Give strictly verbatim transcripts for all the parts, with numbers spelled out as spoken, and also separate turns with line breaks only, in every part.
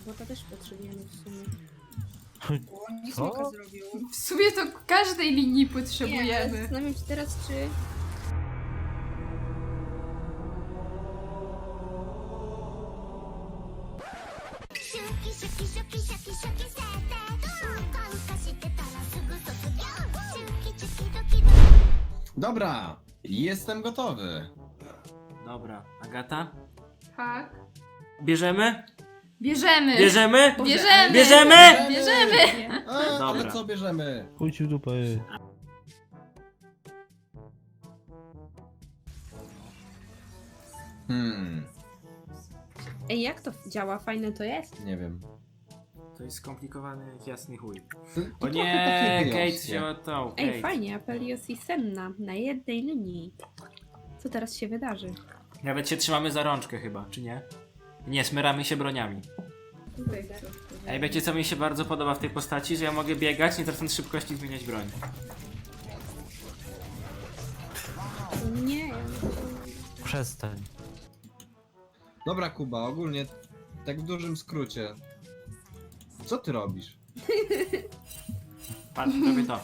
bota też potrzebujemy w sumie.
O, nie
Co?
smoka zrobił.
W sumie to każdej linii
Nie, ale
potrzebujemy.
zastanawiam się teraz, czy...
Dobra, jestem gotowy.
Dobra, Agata?
Tak.
Bierzemy?
Bierzemy!
Bierzemy?
Bierzemy!
Bierzemy?
Bierzemy!
A, ale
Dobra.
co bierzemy?
Chuj ci w dupę.
Hmm,
Ej, jak to działa? Fajne to jest?
nie wiem.
To jest skomplikowany jasny chuj.
To
O
trochę
nie,
takie
Kate
wyjąskie.
wzięła tą.
Ej,
Kate.
fajnie, Apelios i Senna na jednej linii. Co teraz się wydarzy?
Nawet się trzymamy za rączkę chyba, czy nie? Nie, smyramy się broniami. Ej, wiecie co mi się bardzo podoba w tej postaci? Że ja mogę biegać, nie tracąc szybkości, zmieniać broń.
Nie,
Przestań.
Dobra, Kuba, ogólnie tak w dużym skrócie. Co ty robisz?
Patrz, robię to.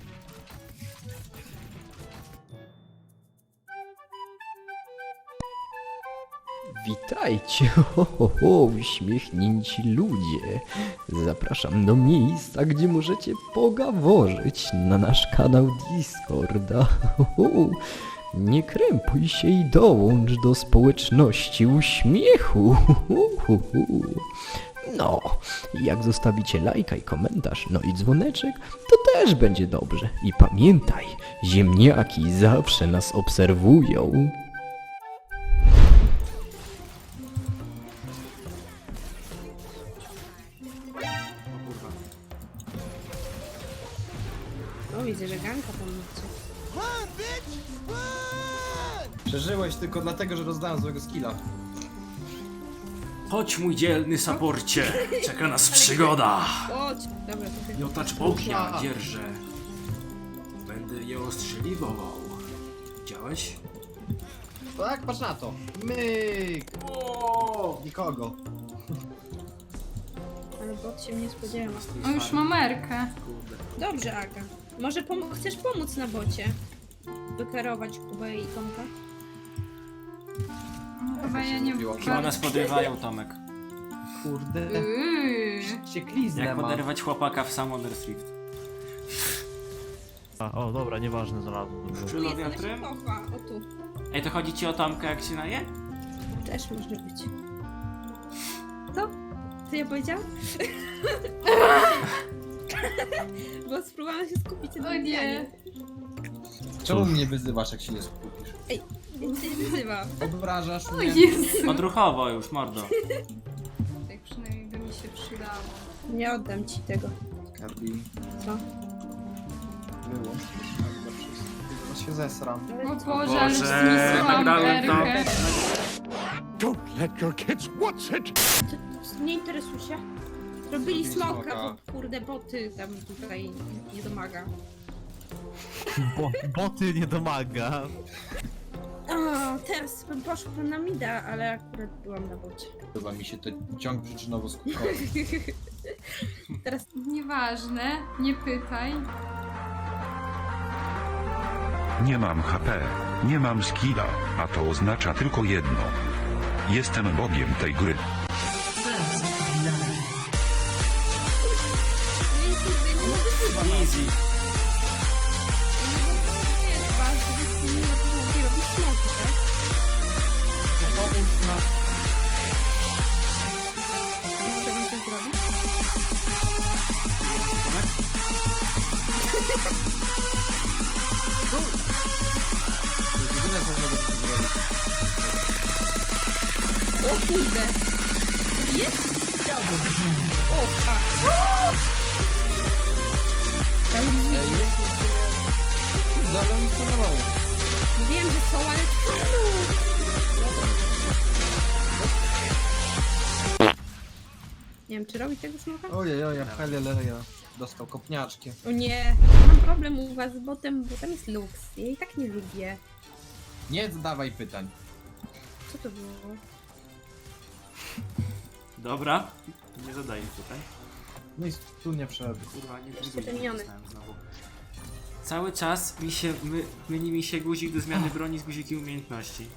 Witajcie, ho, ho, ho, uśmiechnięci ludzie. Zapraszam do miejsca, gdzie możecie pogaworzyć na nasz kanał Discorda. Ho, ho. Nie krępuj się i dołącz do społeczności uśmiechu. Ho, ho, ho. No, jak zostawicie lajka i komentarz, no i dzwoneczek, to też będzie dobrze. I pamiętaj, ziemniaki zawsze nas obserwują.
O kurwa.
o widzę, że ganka tam macie.
Przeżyłeś tylko dlatego, że rozdałem złego skilla.
Chodź mój dzielny saporcie, czeka nas przygoda.
Chodź! Dobra, to ty...
Miotacz ognia dzierżę. Będę je ostrzeliwał. Widziałeś?
Tak, patrz na to. Myk!
O!
Nikogo.
Ale bot się mnie spodziewał.
O, już mam merkę.
Kurde.
Dobrze, Aga. Może pom chcesz pomóc na bocie? Wykarować Kubę i Tomka?
No, chyba ja nie
mówiło?
Chyba nas podrywają, Tomek.
Kurde.
Yy.
Ciekliznę
Jak
mam.
poderwać chłopaka w Summoner Thrift?
A, o, dobra, nieważne, znalazłem. Dobrze.
Czylo
Jest, ona się
wiatrem?
kocha. O tu.
Ej, to chodzi ci o Tomka jak się naje?
Też może być. Co? Co ja powiedziałam? Bo spróbowałam się skupić na
O nie.
odbijaniu.
Czemu mnie wyzywasz, jak się nie skupisz?
Ja cię nie wyzywam.
Obrażasz
O
mnie?
Jezu.
Odruchowo już, mordo.
Tak przynajmniej by mi się przydało.
Nie oddam ci tego.
Gabi,
Co?
wyłącz. Chyba się zesram.
O Boże, ale
Boże,
zmisłam
nagrałem to.
merkę.
Don't let your kids watch it!
Ty, nie interesuj się. Robili
Zrobili
smoka,
smoka.
bo kurde boty tam tutaj nie domaga.
Bo, boty nie domaga.
O, teraz bym poszła na mida, ale akurat byłam na bocie.
Chyba mi się to ciąg przyczynowo-skutkowy.
Teraz
Nieważne, nie pytaj.
Nie mam H P, nie mam skilla, a to oznacza tylko jedno. Jestem bogiem tej gry.
Easy.
nie jest ważne, że nie mogli robić smoki, tak? Co bym coś zrobić?
To jest jedyne, co mogę tu zrobić.
O kurde! Jest? O, fuck. Tam
Ej, jest Zabrał mi stonowało.
wiem, że są, ale czemu? Nie wiem, czy robi tego smoka?
Ojej, ojej, heleleja. Dostał kopniaczki.
O nie, mam problem u was z botem, bo tam jest Lux. Ja jej tak nie lubię.
Nie zadawaj pytań.
Co to było?
Dobra. Nie zadaję tutaj.
No i tu nie wszedł.
Kurwa, nie
Jeszcze
guzik
te miniony.
nacisnąłem znowu. Cały czas mi się, my, myli mi się guzik do zmiany broni z guzikiem umiejętności.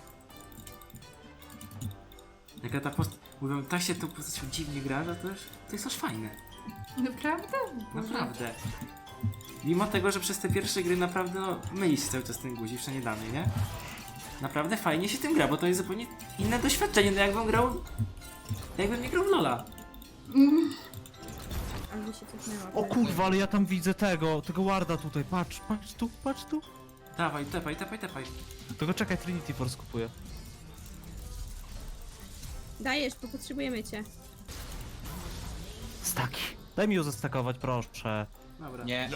Jaka ta post... Mówią, tak się tą postacią dziwnie gra, no to, już, to jest aż fajne.
Naprawdę? Boże.
Naprawdę. Mimo tego, że przez te pierwsze gry naprawdę no, myli się cały czas ten guzik, jeszcze nie dany, nie? Naprawdę fajnie się tym gra, bo to jest zupełnie inne doświadczenie, no jakbym grał... Jakbym nie grał w Lola.
Mm.
Ale mi się cofnęła.
O kurwa, ale ja tam widzę tego, tego warda tutaj, patrz, patrz tu, patrz tu.
Dawaj, tepaj, tepaj, tepaj.
Tego czekaj, Trinity Force kupuję.
Dajesz, bo potrzebujemy cię.
Staki. Daj mi ją zestakować, proszę.
Dobra.
Nie.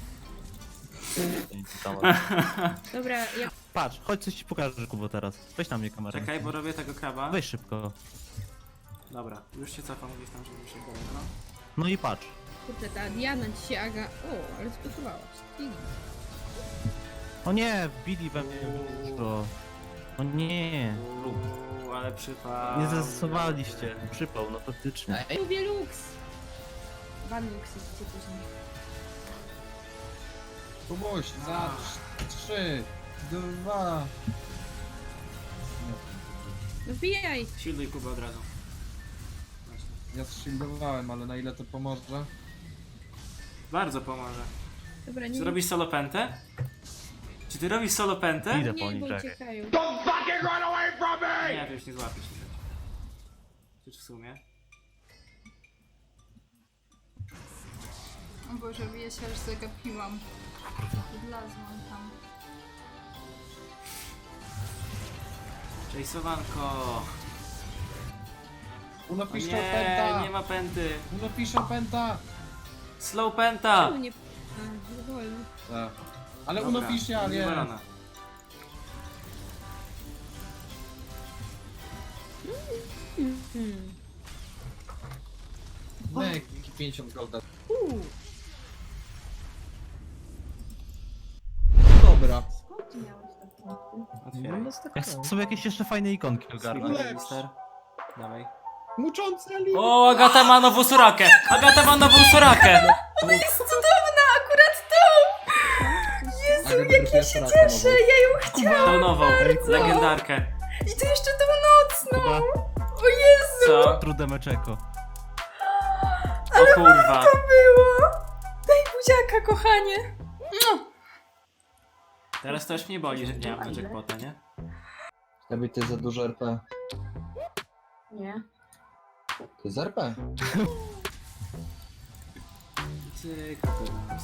Dobra, ja...
Patrz, chodź coś ci pokażę, Kubo, teraz. Weź na mnie kamerę.
Czekaj, bo robię tego kraba.
Weź szybko.
Dobra, już się cofam gdzieś tam, żeby się było, no.
No i patrz.
Kurde, ta Diana dzisiaj Aga... O, ale sposobałaś.
O nie, wbili we mnie dużo. O nie.
Uuu, ale przypał.
Nie zastosowaliście. Przypał, no faktycznie.
Lubię Lux. Ban Lux jest gdzie później.
Kubuś, za trzy, dwa.
No wbijaj!
Shielduj Kubę od razu. Właśnie.
Ja zshieldowałem, ale na ile to pomoże?
Bardzo pomoże.
Dobra,
Czy
nie...
ty robisz solo pentę? Czy ty robisz solo pentę?
Idę po
Nie,
nich,
bo
czekaj.
uciekają.
Nie, to już nie złapiesz się. Czy w sumie?
O Boże, ja się aż zagapiłam. Wlazłam tam.
Chase'owanko.
Uno
O
pisze
nie,
penta!
nie ma penty.
Uno pisze penta!
Slow penta.
Czemu nie... A, nie wolno.
Tak. Ale
Dobra,
uno pisze, ale nie.
wywalona.
Hmm.
Nek, pięćdziesiąt golda.
Uuu,
Dobra.
skąd ty miałeś te punkty?
Otwieraj.
Ja chcę sobie jakieś jeszcze fajne ikonki ogarnąć.
Silver Register. Dawaj.
Muczący Ali!
O, Agata ma nową surakę! Agata ma nową surakę!
Jest cudowna, akurat tą!
Jezu, jak ja się cieszę!
Ja ją
Tą nową, legendarkę.
I to jeszcze tą nocną!
Kuba,
O Jezu!
Co?
trudemeczeko.
O kurwa.
Było! Daj buziaka, kochanie!
Teraz to już mnie boli, że nie mam do jackpota, nie?
Tobie to jest za dużo R P.
Nie.
To jest R P.
Cyk, teraz.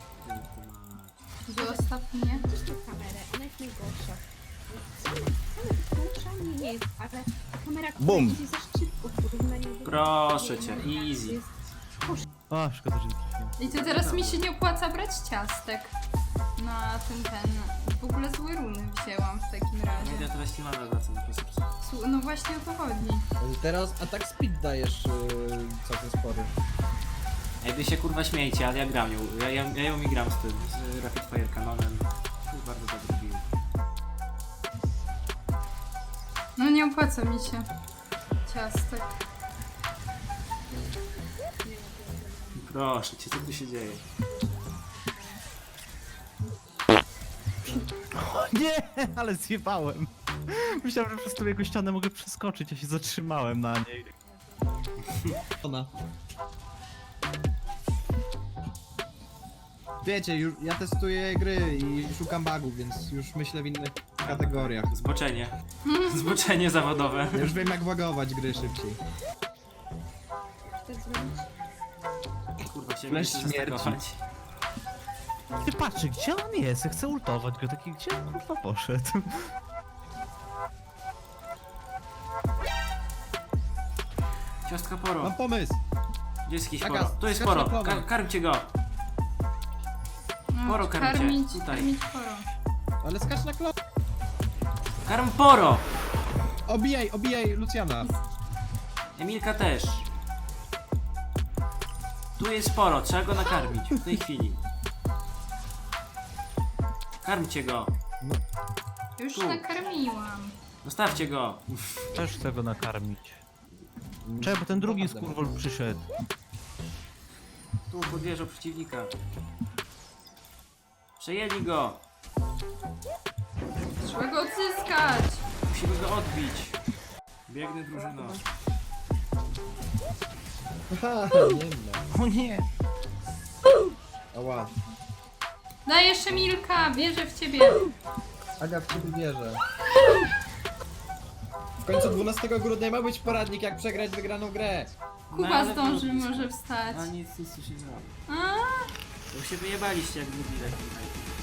Zostaw mnie.
Gdzieś tą kamerę, ona jest najgorsza. Same, same poruszanie nie jest, ale ta kamera
Bum.
idzie za szybko w porównaniu do...
Proszę cię, easy.
Jest...
A, szkoda, że nie trafiłem.
I to teraz mi się nie opłaca brać ciastek. Na ten, ten... W ogóle złe runy wzięłam w takim
Nie
razie.
wiem, to weź nie mamy wracam do koncepcji.
Su- No właśnie o to chodzi.
Teraz atak speed dajesz yy, całkiem spory.
Ej, wy się kurwa śmiejcie, ale ja gram ją. Ja, ja, ja ją mi gram z tym, z Rapid Fire Canonem. To jest bardzo dobry build.
No nie opłaca mi się ciastek.
Proszę cię, co tu się dzieje?
Nie, ale zjebałem. Myślałem, że przez tą jego ścianę mogę przeskoczyć, ja się zatrzymałem na niej.
Ona. Wiecie, już, ja testuję gry i szukam bugów, więc już myślę w innych kategoriach.
Zboczenie. Zboczenie zawodowe.
Ja już wiem jak bagować gry szybciej.
Tak zrobić?
Kurwa się
Flash
muszę
śmierci.
zastakować.
Ty patrz, gdzie on jest? Ja chcę ultować go, taki gdzie on kurwa poszedł?
Ciostka poro.
Mam pomysł!
Gdzie jest jakiś
Taka,
poro? Tu jest
skacz
poro.
na plowę.
Kar karmcie go.
No,
Poro karmicie.
karmić,
Tutaj.
karmić poro.
Ale skacz na klop!
Karm poro.
Obijaj, obijaj Luciana!
Emilka też. Tu jest sporo, trzeba go nakarmić w tej chwili. Karmcie go.
Już
Tu.
nakarmiłam.
Zostawcie go.
Też chcę go nakarmić. Czekaj, bo ten drugi
Naprawdę.
skurwol przyszedł.
Tu podwieżą przeciwnika. Przejęli go!
Trzeba go odzyskać!
Musimy go odbić. Biegnę drużyno.
Haha, nie ma.
O nie!
Ała.
Daj jeszcze Milka, wierzę w ciebie.
Aga w ciebie wierzę. W końcu dwunastego grudnia ma być poradnik, jak przegrać wygraną grę.
Kuba
ale
zdąży,
to-
może wstać.
A nic, nic tu się nie da.
A?
Bo się wyjebaliście jak lubi taki.